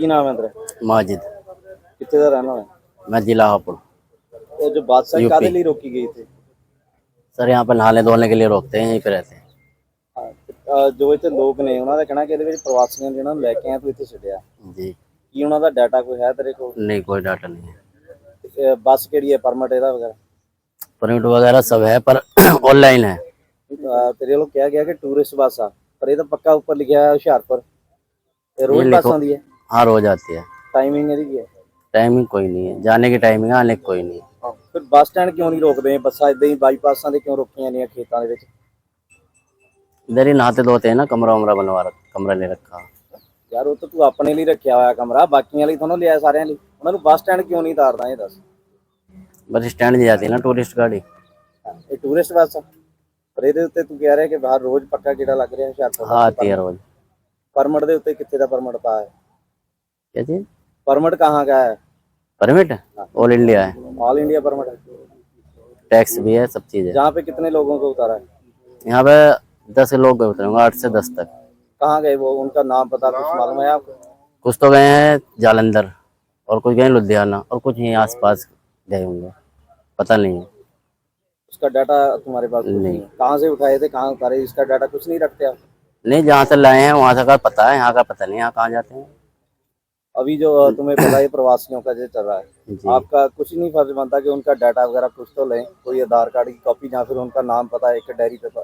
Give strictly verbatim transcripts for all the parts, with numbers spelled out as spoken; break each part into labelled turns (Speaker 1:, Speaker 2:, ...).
Speaker 1: की नाम है तेरा?
Speaker 2: माजिद।
Speaker 1: कितने का रहना है?
Speaker 2: मैं जिला हापुड़।
Speaker 1: तो जो बादशाह कादे लिए रोकी गई थी?
Speaker 2: सर यहाँ पर नहाने धोने के लिए रोकते हैं, यहीं पे रहते हैं।
Speaker 1: हाँ, तो, जो इतने लोग ने उन्होंने कहना कि ਇਹਦੇ ਵਿੱਚ ਪ੍ਰਵਾਸੀਆਂ ਜਿਹਨਾਂ ਨੂੰ ਲੈ ਕੇ ਆਇਆ ਤੂੰ ਇੱਥੇ ਛੱਡਿਆ
Speaker 2: जी
Speaker 1: ਕੀ ਉਹਨਾਂ ਦਾ ਡਾਟਾ ਕੋਈ ਹੈ ਤੇਰੇ ਕੋਲ?
Speaker 2: नहीं, कोई डाटा नहीं है।
Speaker 1: ਇਹ ਬੱਸ ਕਿਹੜੀ ਹੈ, ਪਰਮਿਟ ਇਹਦਾ ਵਗੈਰਾ?
Speaker 2: परमिट वगैरह सब है पर ऑनलाइन है।
Speaker 1: ਅਹ ਤੇਰੇ ਵੱਲੋਂ ਕਿਹਾ ਗਿਆ ਕਿ ਟੂਰਿਸਟ ਬੱਸ ਆ, ਪਰ ਇਹ ਤਾਂ ਪੱਕਾ ਉੱਪਰ ਲਿਖਿਆ ਹੈ ਹੁਸ਼ਿਆਰਪੁਰ। ਇਹ ਰੋਜ਼ ਬੱਸ ਆਉਂਦੀ ਹੈ?
Speaker 2: हाँ, रोज आती है।
Speaker 1: टाइमिंग ਇਹਦੀ ਕੀ ਹੈ?
Speaker 2: टाइमिंग कोई नहीं है, जाने की टाइमिंग है, आने की कोई नहीं है।
Speaker 1: ਫਿਰ ਬੱਸ ਸਟੈਂਡ ਕਿਉਂ ਨਹੀਂ ਰੋਕਦੇ? ਬੱਸਾਂ ਇਦਾਂ ਹੀ ਬਾਈਪਾਸਾਂ ਤੇ ਕਿਉਂ ਰੋਕੀਆਂ ਨੇ ਖੇਤਾਂ ਦੇ ਵਿੱਚ?
Speaker 2: इधर ही नहाते धोते हैं ना, कमरा वमरा बनवा रखा, कमरा ले रखा।
Speaker 1: ਯਾਰ ਉਹ ਤਾਂ ਤੂੰ ਆਪਣੇ ਲਈ ਰੱਖਿਆ ਹੋਇਆ ਕਮਰਾ, ਬਾਕੀਆਂ ਲਈ ਤੁਹਾਨੂੰ ਲਿਆ ਸਾਰਿਆਂ ਲਈ। ਉਹਨਾਂ ਨੂੰ ਬੱਸ ਸਟੈਂਡ ਕਿਉਂ ਨਹੀਂ ਤਾਰਦਾ ਇਹ ਦੱਸ?
Speaker 2: बस स्टैंड दी जाती है ना टूरिस्ट गाड़ी।
Speaker 1: ਇਹ ਟੂਰਿਸਟ ਬੱਸ ਆ, ਪਰ ਇਹਦੇ ਉੱਤੇ ਤੂੰ ਕਹਿ ਰਿਹਾ ਕਿ ਬਾਹਰ ਰੋਜ਼ ਪੱਕਾ ਕਿਹੜਾ ਲੱਗ ਰਿਹਾ ਹੁਸ਼ਿਆਰਪੁਰ?
Speaker 2: हाँ, आती है रोज।
Speaker 1: परमिट ਦੇ ਉੱਤੇ ਕਿੱਥੇ ਦਾ परमिट ਪਾ ਹੈ?
Speaker 2: क्या चीज?
Speaker 1: परमिट कहाँ का है?
Speaker 2: परमिट ऑल इंडिया है,
Speaker 1: ऑल इंडिया परमिट है।
Speaker 2: टैक्स भी है, सब चीज है।
Speaker 1: जहाँ पे कितने लोगों को उतारा है?
Speaker 2: यहाँ पे दस लोग गए उतरेंगे, आठ से दस तक।
Speaker 1: कहाँ गए वो, उनका नाम पता कुछ मालूम है आपको?
Speaker 2: कुछ तो गए हैं जालंधर और कुछ गए लुधियाना और कुछ यहीं आसपास गए होंगे, पता नहीं है।
Speaker 1: उसका डाटा तुम्हारे पास कुछ नहीं है? कहाँ से उठाए थे, कहाँ उतारे, इसका डाटा कुछ नहीं रखते आप?
Speaker 2: नहीं, जहाँ से लाए हैं वहाँ से का पता है, यहाँ का पता नहीं, यहाँ कहाँ जाते हैं।
Speaker 1: अभी जो तुम्हें पता है प्रवासियों का जो चल रहा है, आपका कुछ नहीं फर्ज बनता कि उनका डाटा वगैरह कुछ तो लें, कोई आधार कार्ड की कॉपी या फिर उनका नाम पता है एक डायरी पे?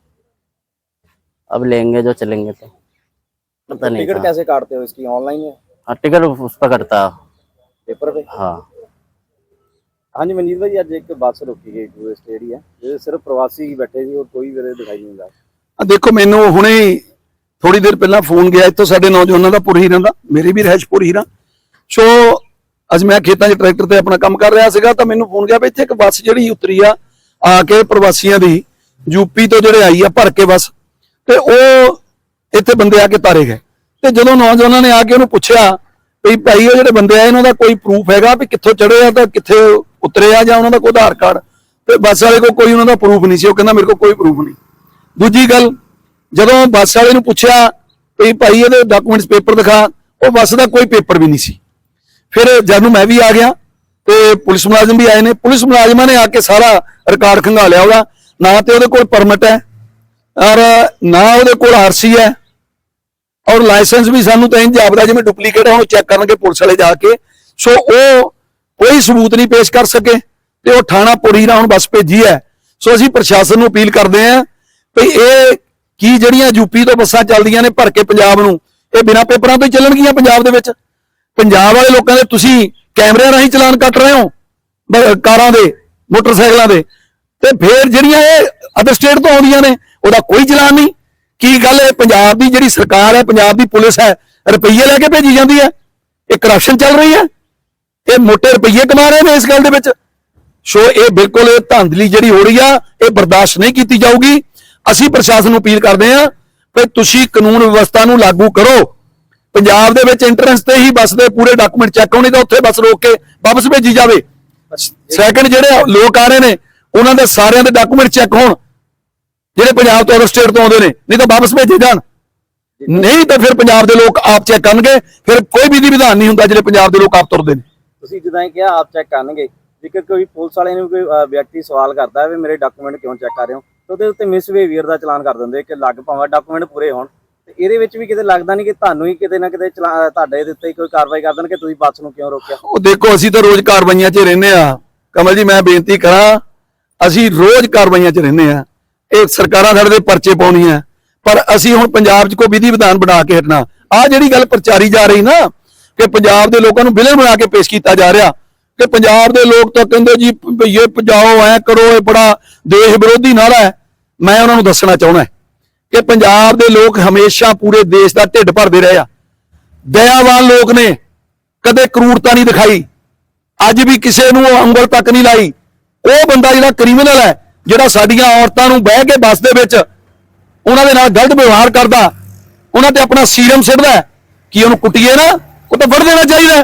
Speaker 2: अब लेंगे जो चलेंगे तो पता नहीं।
Speaker 1: टिकट कैसे काटते हो इसकी, ऑनलाइन है?
Speaker 2: हाँ, टिकट उस पर कटता है,
Speaker 1: पेपर पे?
Speaker 2: हाँ।
Speaker 1: हाँ जी मनजीत भाई, अज एक बस रोकी गई टूरिस्ट एरिया, ये सिर्फ प्रवासी ही बैठे थे और कोई भी दिखाई नहीं दिया।
Speaker 3: देखो मैनू हुणे थोड़ी देर पहला फोन गया इतों साडे नौजवानों का पुरहीरां दा, मेरे भी रहश पुरहीरां। सो अज मैं खेतां 'च ट्रैक्टर ते अपना काम कर रहा सीगा तां मैनू फोन गया भी इत्थे एक बस जिहड़ी उतरी आ आके प्रवासियां दी यूपी तो जिहड़े आई आ भर के बस, ते ओह इत्थे बंदे आके तारे गए। ते जदों नौजवानों ने आके उहनूं पुछया भी भाई ओह जिहड़े बंदे आए इन्हां दा कोई प्रूफ हैगा भी कित्थों चढ़े आ तां कित्थे उतरे आ जां उहनां दा कोई आधार कार्ड, ते बस वाले को कोई उहनां दा प्रूफ नहीं सी। ओह कहंदा मेरे को कोई प्रूफ नहीं। दूजी गल, जदों बस वाले नूं पुछया भी भाई ये डॉक्यूमेंट्स पेपर दिखा, वो बस का कोई पेपर भी नहीं सी। फिर जब मैं भी आ गया तो पुलिस मुलाजिम भी आए ने, पुलिस मुलाजिमा ने आके सारा रिकॉर्ड खंगा लिया, ओहदा ना तो ओहदे कोल परमिट है और ना ओहदे कोल आरसी है और लाइसेंस भी सानू तो इंज जापदा जिवें डुप्लीकेट है, चेक करनगे पुलिस वाले जाके। सो वो कोई सबूत नहीं पेश कर सके ते वो थाना पुरीरा हुण बस भेजी है। सो असीं प्रशासन नूं अपील करदे हां भी ये की ਜਿਹੜੀਆਂ यूपी तो बसां ਚੱਲਦੀਆਂ ने भर के पंजाब ਨੂੰ, ਇਹ बिना पेपरां ਤੋਂ ਹੀ ਚੱਲਣਗੀਆਂ पंजाब ਦੇ ਵਿੱਚ? पंजाब वाले लोगों ਦੇ ਤੁਸੀਂ कैमरे ਰਾਹੀਂ ਚਲਾਨ ਕੱਟ ਰਹੇ ਹੋ ਕਾਰਾਂ ਦੇ, ਮੋਟਰਸਾਈਕਲਾਂ ਦੇ, ਤੇ ਫਿਰ ਜਿਹੜੀਆਂ ਇਹ ਅਦਰ ਸਟੇਟ ਤੋਂ ਆਉਂਦੀਆਂ ਨੇ ਉਹਦਾ ਕੋਈ ਚਲਾਨ ਨਹੀਂ। ਕੀ ਗੱਲ ਹੈ? ਪੰਜਾਬ ਦੀ ਜਿਹੜੀ ਸਰਕਾਰ ਹੈ, ਪੰਜਾਬ ਦੀ ਪੁਲਿਸ ਹੈ, ਰੁਪਈਏ ਲੈ ਕੇ ਭੇਜੀ ਜਾਂਦੀ ਹੈ? ਇਹ ਕਰਪਸ਼ਨ ਚੱਲ ਰਹੀ ਹੈ, ਇਹ ਮੋਟੇ ਰੁਪਈਏ ਕਮਾ ਰਹੇ ਨੇ ਇਸ ਗੱਲ ਦੇ ਵਿੱਚ। ਸੋ ਇਹ ਬਿਲਕੁਲ ਇਹ ਧਾਂਦਲੀ ਜਿਹੜੀ ਹੋ ਰਹੀ ਆ ਇਹ ਬਰਦਾਸ਼ਤ ਨਹੀਂ ਕੀਤੀ ਜਾਊਗੀ। ਅਸੀਂ ਪ੍ਰਸ਼ਾਸਨ ਨੂੰ ਅਪੀਲ ਕਰਦੇ ਹਾਂ ਕਿ ਤੁਸੀਂ ਕਾਨੂੰਨ ਵਿਵਸਥਾ ਨੂੰ ਲਾਗੂ ਕਰੋ। ਪੰਜਾਬ ਦੇ ਵਿੱਚ ਐਂਟਰੈਂਸ ਤੇ ਹੀ ਬੱਸ ਦੇ ਪੂਰੇ ਡਾਕੂਮੈਂਟ ਚੈੱਕ ਹੋਣੇ, ਤਾਂ ਉੱਥੇ ਬੱਸ ਰੋਕ ਕੇ ਵਾਪਸ ਭੇਜੀ ਜਾਵੇ। ਸੈਕੰਡ, ਜਿਹੜੇ ਲੋਕ ਆ ਰਹੇ ਨੇ ਉਹਨਾਂ ਦੇ ਸਾਰਿਆਂ ਦੇ ਡਾਕੂਮੈਂਟ ਚੈੱਕ ਹੋਣ, ਜਿਹੜੇ ਪੰਜਾਬ ਤੋਂ ਅਦਰ ਸਟੇਟ ਤੋਂ ਆਉਂਦੇ ਨੇ, ਨਹੀਂ ਤਾਂ ਵਾਪਸ ਭੇਜੇ ਜਾਣ। ਨਹੀਂ ਤਾਂ ਫਿਰ ਪੰਜਾਬ ਦੇ ਲੋਕ ਆਪ ਚੈੱਕ ਕਰਨਗੇ, ਫਿਰ ਕੋਈ ਵਿਧੀ ਵਿਧਾਨ ਨਹੀਂ ਹੁੰਦਾ ਜਿਹੜੇ ਪੰਜਾਬ ਦੇ ਲੋਕ ਆਪ ਤੁਰਦੇ ਨੇ।
Speaker 1: ਤੁਸੀਂ ਜਿੱਦਾਂ ਹੀ ਕਿਹਾ ਆਪ ਚੈੱਕ ਕਰਨਗੇ, ਜੇਕਰ ਕੋਈ ਪੁਲਿਸ ਵਾਲੇ ਨੂੰ ਕੋਈ ਵਿਅਕਤੀ ਸਵਾਲ ਕਰਦਾ ਹੈ ਵੀ ਮੇਰੇ ਡਾਕੂਮੈਂਟ ਕਿਉਂ ਚੈੱਕ ਕਰ ਰਹੇ ਹੋ, ਉਹਦੇ ਉੱਤੇ ਮਿਸਬਿਹੇਵੀਅਰ ਦਾ ਚਲਾਨ ਕਰ ਦਿੰਦੇ ਕਿ ਲੱਗ ਭਾਵੇਂ ਡਾਕੂਮੈਂਟ ਪੂਰੇ ਹੋਣ। ਤੇ ਇਹਦੇ ਵਿੱਚ ਵੀ ਕਿਤੇ ਲੱਗਦਾ ਨਹੀਂ ਕਿ ਤੁਹਾਨੂੰ ਹੀ ਕਿਤੇ ਨਾ ਕਿਤੇ ਤੁਹਾਡੇ ਦੇ ਉੱਤੇ ਕੋਈ ਕਾਰਵਾਈ ਕਰ ਦੇਣ ਕਿ ਤੁਸੀਂ ਬੱਸ ਨੂੰ ਕਿਉਂ ਰੋਕਿਆ?
Speaker 3: ਉਹ ਦੇਖੋ ਅਸੀਂ ਤਾਂ ਰੋਜ਼ ਕਾਰਵਾਈਆਂ 'ਚ ਰਹਿੰਦੇ ਆ ਕਮਲ ਜੀ, ਮੈਂ ਬੇਨਤੀ ਕਰਾਂ ਅਸੀਂ ਰੋਜ਼ ਕਾਰਵਾਈਆਂ 'ਚ ਰਹਿੰਦੇ ਆ। ਇਹ ਸਰਕਾਰਾਂ ਸਾਡੇ ਦੇ ਪਰਚੇ ਪਾਉਣੀਆਂ, ਪਰ ਅਸੀਂ ਹੁਣ ਪੰਜਾਬ 'ਚ ਕੋਈ ਵਿਧੀ ਵਿਧਾਨ ਬਣਾ ਕੇ ਹਟਣਾ। ਆਹ ਜਿਹੜੀ ਗੱਲ ਪ੍ਰਚਾਰੀ ਜਾ ਰਹੀ ਨਾ ਕਿ ਪੰਜਾਬ ਦੇ ਲੋਕਾਂ ਨੂੰ ਵਿਲਨ ਬਣਾ ਕੇ ਪੇਸ਼ ਕੀਤਾ ਜਾ ਰਿਹਾ ਕਿ ਪੰਜਾਬ ਦੇ ਲੋਕ ਤਾਂ ਕਹਿੰਦੇ ਜੀ ਭਈਏ ਭਜਾਓ, ਐ ਕਰੋ, ਇਹ ਬੜਾ ਦੇਸ਼ ਵਿਰੋਧੀ ਨਾਰਾ ਹੈ। ਮੈਂ ਉਹਨਾਂ ਨੂੰ ਦੱਸਣਾ ਚਾਹੁੰਦਾ ਕਿ ਪੰਜਾਬ ਦੇ ਲੋਕ ਹਮੇਸ਼ਾ ਪੂਰੇ ਦੇਸ਼ ਦਾ ਢਿੱਡ ਭਰਦੇ ਰਹੇ ਆ। ਦਇਆਵਾਨ ਲੋਕ ਨੇ, ਕਦੇ ਕਰੂਰਤਾ ਨਹੀਂ ਦਿਖਾਈ, ਅੱਜ ਵੀ ਕਿਸੇ ਨੂੰ ਉਂਗਲ ਤੱਕ ਨਹੀਂ ਲਾਈ। ਉਹ ਬੰਦਾ ਜਿਹੜਾ ਕ੍ਰਿਮੀਨਲ ਹੈ, ਜਿਹੜਾ ਸਾਡੀਆਂ ਔਰਤਾਂ ਨੂੰ ਬਹਿ ਕੇ ਬੱਸ ਦੇ ਵਿੱਚ ਉਹਨਾਂ ਦੇ ਨਾਲ ਗਲਤ ਵਿਵਹਾਰ ਕਰਦਾ, ਉਹਨਾਂ ਤੇ ਆਪਣਾ ਸੀਰਮ ਸਿੱਟਦਾ, ਕਿ ਉਹਨੂੰ ਕੁੱਟੀਏ ਨਾ, ਉਹ ਤਾਂ ਫੜ ਦੇਣਾ ਚਾਹੀਦਾ।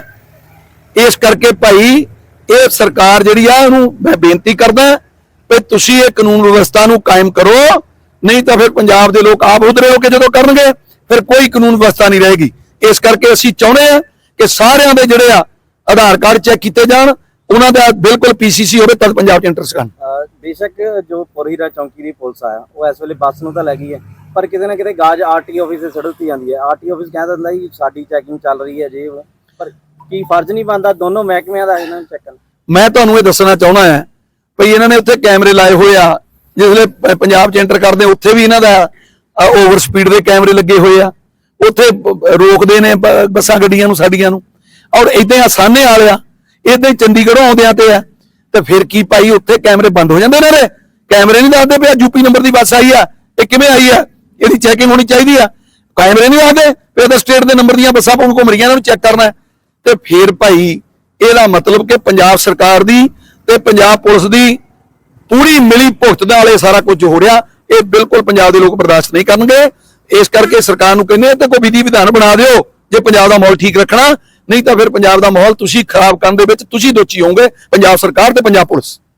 Speaker 3: ਇਸ ਕਰਕੇ ਭਾਈ ਇਹ ਸਰਕਾਰ ਜਿਹੜੀ ਆ ਉਹਨੂੰ ਮੈਂ ਬੇਨਤੀ ਕਰਦਾ ਵੀ ਤੁਸੀਂ ਇਹ ਕਾਨੂੰਨ ਵਿਵਸਥਾ ਨੂੰ ਕਾਇਮ ਕਰੋ, ਨਹੀਂ ਤਾਂ ਫਿਰ ਪੰਜਾਬ ਦੇ ਲੋਕ ਆਪ ਉਧਰੇ ਹੋ ਕੇ ਜਦੋਂ ਕਰਨਗੇ ਫਿਰ ਕੋਈ ਕਾਨੂੰਨ ਵਿਵਸਥਾ ਨਹੀਂ ਰਹੇਗੀ। ਇਸ ਕਰਕੇ ਅਸੀਂ ਚਾਹੁੰਦੇ ਹਾਂ ਕਿ ਸਾਰਿਆਂ ਦੇ ਜਿਹੜੇ ਆ ਆਧਾਰ ਕਾਰਡ ਚੈੱਕ ਕੀਤੇ ਜਾਣ, ਉਹਨਾਂ ਦਾ ਬਿਲਕੁਲ ਪੀਸੀਸੀ ਹੋਵੇ ਤਦ ਪੰਜਾਬ 'ਚ ਐਂਟਰ ਸਕਣ।
Speaker 1: ਅਹ ਬੇਸ਼ੱਕ ਜੋ ਪੁਰਹੀਰਾ ਚੌਂਕੀ ਦੀ ਪੁਲਿਸ ਆ ਉਹ ਇਸ ਵੇਲੇ ਬੱਸ ਨੂੰ ਤਾਂ ਲੈ ਗਈ ਹੈ, ਪਰ ਕਿਤੇ ਨਾ ਕਿਤੇ ਗਾਜ ਆਰਟੀ ਆਫਿਸ ਦੇ ਸੜਕ ਜਾਂਦੀ ਹੈ। ਆਰਟੀ ਆਫਿਸ ਕਹਿੰਦਾ ਹੁੰਦਾ ਜੀ ਸਾਡੀ ਚੈਕਿੰਗ ਚੱਲ ਰਹੀ ਹੈ ਜੇ ਉਹ, ਪਰ ਕੀ ਫਰਜ਼ ਨਹੀਂ ਬਣਦਾ ਦੋਨੋਂ ਮਹਿਕਮਿਆਂ ਦਾ ਇਹਨਾਂ ਨੂੰ ਚੈੱਕ ਕਰਨ?
Speaker 3: ਮੈਂ ਤੁਹਾਨੂੰ ਇਹ ਦੱਸਣਾ ਚਾਹੁੰਦਾ ਹਾਂ ਭਈ ਇਹਨਾਂ ਨੇ ਉੱਥੇ ਕੈਮਰੇ ਲਾਏ ਹੋਏ ਆ, ਜਿਸਲੇ ਪ- ਪੰਜਾਬ 'ਚ ਐਂਟਰ ਕਰਦੇ ਉੱਥੇ ਵੀ ਇਹਨਾਂ ਦਾ ਓਵਰ ਸਪੀਡ ਦੇ ਕੈਮਰੇ ਲੱਗੇ ਹੋਏ ਆ, ਉੱਥੇ ਬ- ਰੋਕਦੇ ਨੇ ਬ- ਬੱਸਾਂ ਗੱਡੀਆਂ ਨੂੰ ਸਾਡੀਆਂ ਨੂੰ, ਔਰ ਇਦਾਂ ਆਸਾਨੇ ਵਾਲੇ ਆ, ਇਦਾਂ ਹੀ ਚੰਡੀਗੜ੍ਹੋਂ ਆਉਂਦਿਆਂ ਤੇ ਆ, ਤੇ ਫਿਰ ਕੀ ਭਾਈ ਉੱਥੇ ਕੈਮਰੇ ਬੰਦ ਹੋ ਜਾਂਦੇ ਨੇ ਰੇ, ਕੈਮਰੇ ਨਹੀਂ ਦੱਸਦੇ ਪਿਆ ਯੂਪੀ ਨੰਬਰ ਦੀ ਬੱਸ ਆਈ ਆ, ਇਹ ਕਿਵੇਂ ਆਈ ਆ, ਇਹਦੀ ਚੈਕਿੰਗ ਹੋਣੀ ਚਾਹੀਦੀ ਆ, ਕੈਮਰੇ ਨਹੀਂ ਦੱਸਦੇ ਫਿਰ ਤਾਂ ਸਟੇਟ ਦੇ ਨੰਬਰ ਦੀਆਂ ਬੱਸਾਂ ਘੁੰਮ ਰਹੀਆਂ ਇਹਨਾਂ ਨੂੰ ਚੈੱਕ ਕਰਨਾ ਹੈ। ਤੇ ਫਿਰ ਭਾਈ ਇਹਦਾ ਮਤਲਬ ਕਿ ਪੰਜਾਬ ਸਰਕਾਰ ਦੀ ਤੇ ਪੰਜਾਬ ਪੁਲਿਸ ਦੀ ਪੂਰੀ ਮਿਲੀ ਭੁਗਤ ਦੇ ਨਾਲੇ ਸਾਰਾ ਕੁਝ ਹੋ ਰਿਹਾ, ਇਹ ਬਿਲਕੁਲ ਪੰਜਾਬ ਦੇ ਲੋਕ ਬਰਦਾਸ਼ਤ ਨਹੀਂ ਕਰਨਗੇ। ਇਸ ਕਰਕੇ ਸਰਕਾਰ ਨੂੰ ਕਹਿੰਦੇ ਤੇ ਕੋਈ ਵਿਧੀ ਵਿਧਾਨ ਬਣਾ ਦਿਓ ਜੇ ਪੰਜਾਬ ਦਾ ਮਾਹੌਲ ਠੀਕ ਰੱਖਣਾ, ਨਹੀਂ ਤਾਂ ਫਿਰ ਪੰਜਾਬ ਦਾ ਮਾਹੌਲ ਤੁਸੀਂ ਖਰਾਬ ਕਰਨ ਦੇ ਵਿੱਚ ਤੁਸੀਂ ਦੋਸ਼ੀ ਹੋਵੋਗੇ, ਪੰਜਾਬ ਸਰਕਾਰ ਤੇ ਪੰਜਾਬ ਪੁਲਿਸ।